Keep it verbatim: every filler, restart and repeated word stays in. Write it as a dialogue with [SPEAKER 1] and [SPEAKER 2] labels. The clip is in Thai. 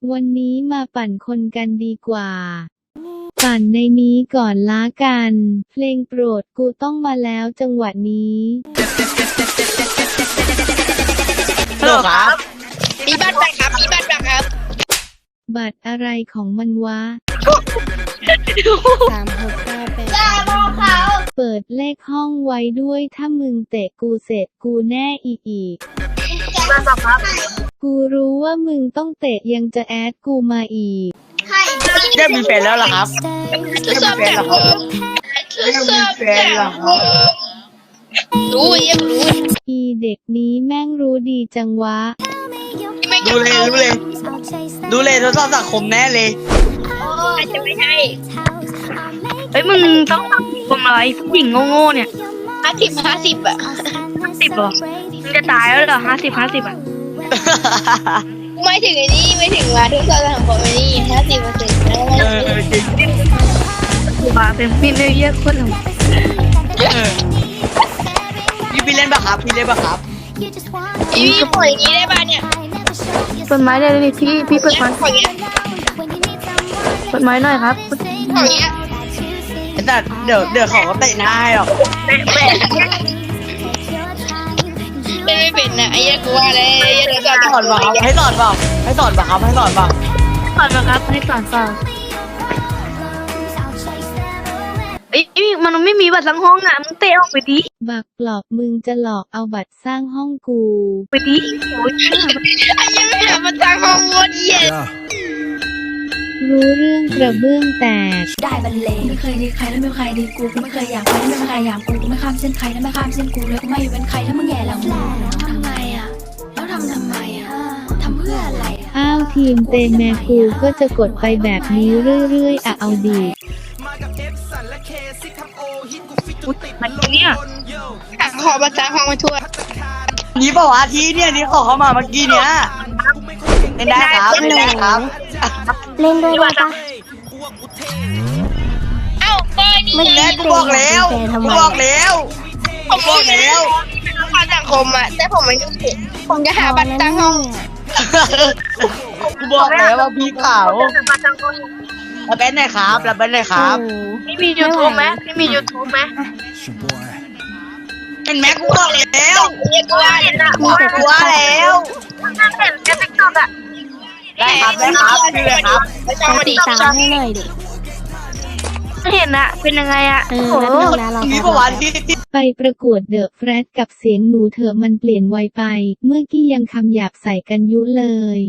[SPEAKER 1] วันนี้มาปั่นคนกันดีกว่า ปั่นในนี้ก่อนล้ากัน เพลงโปรดกูต้องมาแล้วจังหวะนี้
[SPEAKER 2] ฮัลโหลครับ
[SPEAKER 3] มีบัตรไหมครับมีบัตรไหมครับ
[SPEAKER 1] บัตรอะไรของมันวะ
[SPEAKER 4] สามหกเก้าแปด
[SPEAKER 3] จ้าบอกเขา
[SPEAKER 1] เปิดเลขห้องไว้ด้วยถ้ามึงเตะกูเสร็จกูแน่อีอีก
[SPEAKER 3] มาบอกครับ
[SPEAKER 1] กูรู้ว่ามึงต้องเตะยังจะแอดกูมาอีก
[SPEAKER 3] ให้
[SPEAKER 2] ได้มีแฟนแล้วเหรอครับ
[SPEAKER 3] ทดสอบจากผมทดสอบจากผมรู้ยังรู้
[SPEAKER 1] อีเด็กนี้แม่งรู้ดีจังวะ
[SPEAKER 3] ไม่
[SPEAKER 2] ดูเลยดูเลยดูเลยทดสอบสังคมแน่เลย
[SPEAKER 3] อาจจะไม่ใช่
[SPEAKER 5] เฮ้ยมึงต้องทำผมอะไรผู้หญิงโง่ๆเนี่ย
[SPEAKER 3] ห้าสิบห้าสิบอะ
[SPEAKER 5] ห้าสิบเหรอมึงจะตายแล้วเหรอห้าสิบห้าสิบอ่ะ
[SPEAKER 3] ไม่ถึงไอ้นี่ไม่ถึงว่าทดสอบจากผมไอ้นี่ห้าสิบเปอร์เซ็นต์แล้ว
[SPEAKER 2] เออจริง
[SPEAKER 5] กูบาเป็นพี่ไม่เยอะคนหนึ่ง
[SPEAKER 2] เออพี่พี่เล่นปะครับพี่เล่นปะครับ
[SPEAKER 3] พี่พี่ปล่อยอย่างนี้ได้ป่ะเนี่ย
[SPEAKER 5] เปิดไม้ได้เลยพี่พี่เปิดไม้
[SPEAKER 3] ปล่อยอย่างเงี้ย
[SPEAKER 5] เปิดไม้หน่อยครับ
[SPEAKER 3] ปล่อยอย่างเงี้ย
[SPEAKER 2] ไอ้สัตว์เดี๋ยวเดี๋ยวเขาก็เตะหน้าให้หรอก
[SPEAKER 3] เล่นไม่เป็นนะไอ้เหี้ยกูว่าเลยไอ้เหี้ยทดสอบ
[SPEAKER 2] ส
[SPEAKER 3] จาก
[SPEAKER 2] อนปะครับให้สอนปะให้สอนปะครับให้สอนปะ
[SPEAKER 5] สอนมาครับให้สอนเปล่าเอ้ยมันไม่มีบัตรสังห้องอ่ะมึงเตะออกไปดิ
[SPEAKER 1] บักปลอบมึงจะหลอกเอาบัตรสร้างห้องกู
[SPEAKER 5] ไปดิโอ้ย
[SPEAKER 3] ไอ้เหี้ยไม่หามาจากห้องโคตรเหี้ย
[SPEAKER 1] รู้เรื่องกระเบื้องแตก
[SPEAKER 4] ได้บรรเลงไม่เคยดีใครแล้วไม่มีใครดีกูกูไม่เคยอยากไปไม่มีใครอยากกูกูไม่ข้ามเส้นใครแล้วไม่ข้ามเส้นกูเลยกูไม่เป็นใครถ้ามึงแย่แล้วมึงทำไงอ่ะแล้วทำทำไมอ่ะทำเพื่ออะไรอ่ะ
[SPEAKER 1] อ้าวทีมเตแมกูก็จะกดไปแบบนี้เรื่อยๆอะเอาดี
[SPEAKER 5] อุ๊ยมันเนี่ย
[SPEAKER 3] ขอมาจากห้องมาทั่ว
[SPEAKER 2] นี่ปะวะทีเนี่ยนี่ขอเข้ามาเมื่อกี้เนี้ยเล่นได้ครับเล่นได้ครับ
[SPEAKER 4] เล่นด้วยได้ปะ
[SPEAKER 3] เอ้าเบอร์นี่
[SPEAKER 4] ไม่
[SPEAKER 2] แม่กูบอกแล้วกูบอกแล้ว
[SPEAKER 3] ผม
[SPEAKER 2] บอกแล้ว
[SPEAKER 3] ความสังคมอะแต่ผมไม่รู้สึกผมจะหาบัตรตั้งห้อง
[SPEAKER 2] กูบอกแล้วว่าพี่ขาวรับเป็นหน่อยครับรับเป็นหน่อยครับ
[SPEAKER 5] พี่มียูทูบไหมพี่มียูทูบไหม
[SPEAKER 2] เห็นไหมกูบอกแล้ว
[SPEAKER 3] เรียกว่าเนี่ยนะ
[SPEAKER 2] กูกลัวแล้ว
[SPEAKER 5] นั่นเห็นแค่ติ๊กต็อกอ่ะ
[SPEAKER 2] ได้ครับได้ครับพี่เลยครับ
[SPEAKER 3] ไม่ต้องมาดิ
[SPEAKER 4] ตามให้หน่อยดิ
[SPEAKER 5] ไม่เห็นอะเป็นยังไงอะ
[SPEAKER 4] เออ
[SPEAKER 5] โอ้
[SPEAKER 4] แล้ว
[SPEAKER 5] โห
[SPEAKER 4] นึงนะเรา
[SPEAKER 2] นี่ปะวะที่ที่
[SPEAKER 1] ไปประกวดเดอะแฟรดกับเสียงหนูเถอะมันเปลี่ยนไวไป เมื่อกี้ยังคำหยาบใส่กันยุเลย